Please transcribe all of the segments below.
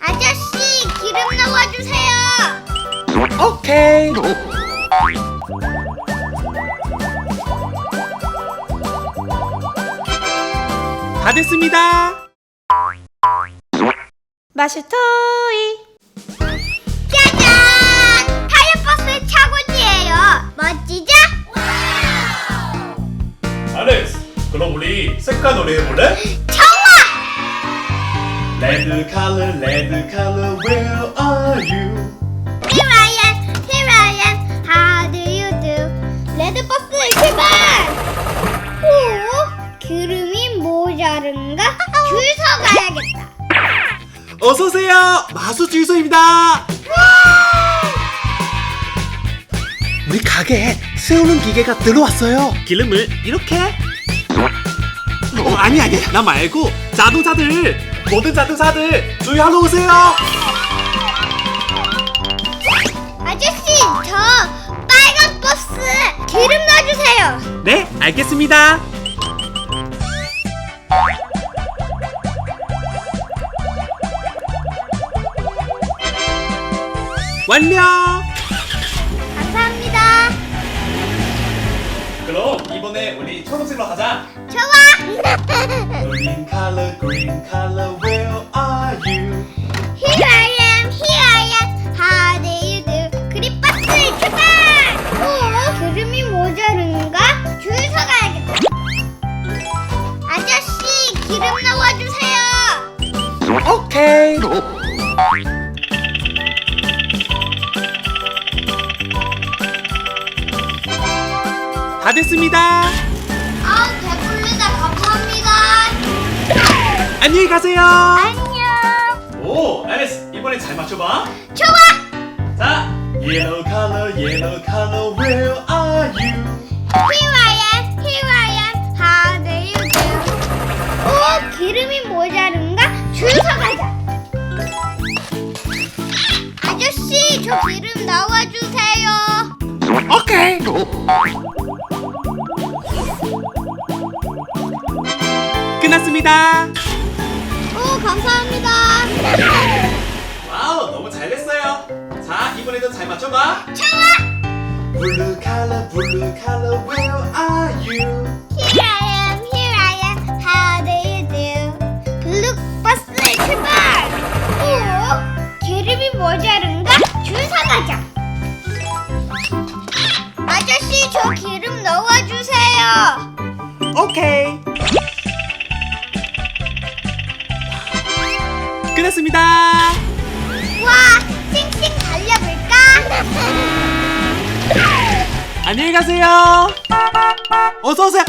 아저씨, 기름 넣어주세요. 오케이. 다 됐습니다. 마슈토이. 짜잔! 타이어버스 차고지예요. 멋지죠? 알렉스, 그럼 우리 색깔 놀이 해볼래? 좋아! Red color, where are you? Here I am, how do you do? 레드버스 출발! 오, 기름이 모자른가? 줄 서 가야겠다. 어서 오세요. 마수 주유소입니다. 우리 가게에 세우는 기계가 들어왔어요. 기름을 이렇게? 아니야. 나 말고 자동차들, 모든 자동차들 주유하러 오세요. 아저씨, 저 빨간 버스 기름 넣어주세요. 네, 알겠습니다. 완료. 감사합니다. 그럼 이번에 우리 초록색으로 가자. 좋아! Green color, where are you? Here I am, how do you do? 그린버스 출발! 오, 기름이 모자른가? 줄 서 가야겠다. 아저씨, 기름 넣어주세요. 오케이. 다 됐습니다. 아우, 배불르다. 감사합니다. 안녕히 가세요. 안녕. 오, 알렉스, 이번에 잘 맞춰봐. 좋아! 자, yellow color, where are you? Here I am, how do you do? 오, 기름이 모자른가? 줄 서 가자. 아저씨, 저 기름 넣어주세요. 오케이. 끝났습니다. 오, 감사합니다. 와우, 너무 잘 됐어요. 자, 이번에도 잘 맞춰봐. 좋아! Blue color, where are you? Here I am, how do you do? 블루버스 출발! 오, 기름이 모자른가? 줄 서 가자. 아저씨, 저 기름 넣어주세요. 오케이. 끝났습니다. 와, 쌩쌩 달려볼까? 안녕히 가세요. 어서 오세요.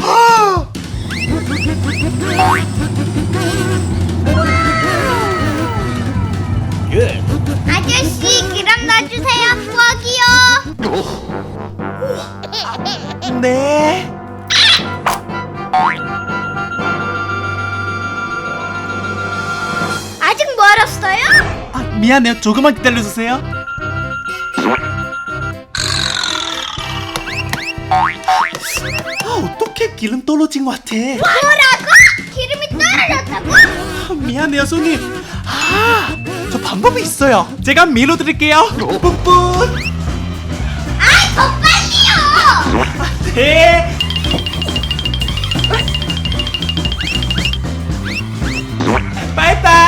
아저씨, 기름 넣어주세요. 부엌이요. 네. 아직 멀었어요? 아, 미안해요. 조금만 기다려주세요. 어떻게 기름 떨어진 것 같아? 뭐라고? 기름이 떨어졌다고? 아, 미안해요, 손님. 저 방법이 있어요. 제가 밀어드릴게요. 뿜뿜. 아, 더 빨리요! 네. 빠이빠이.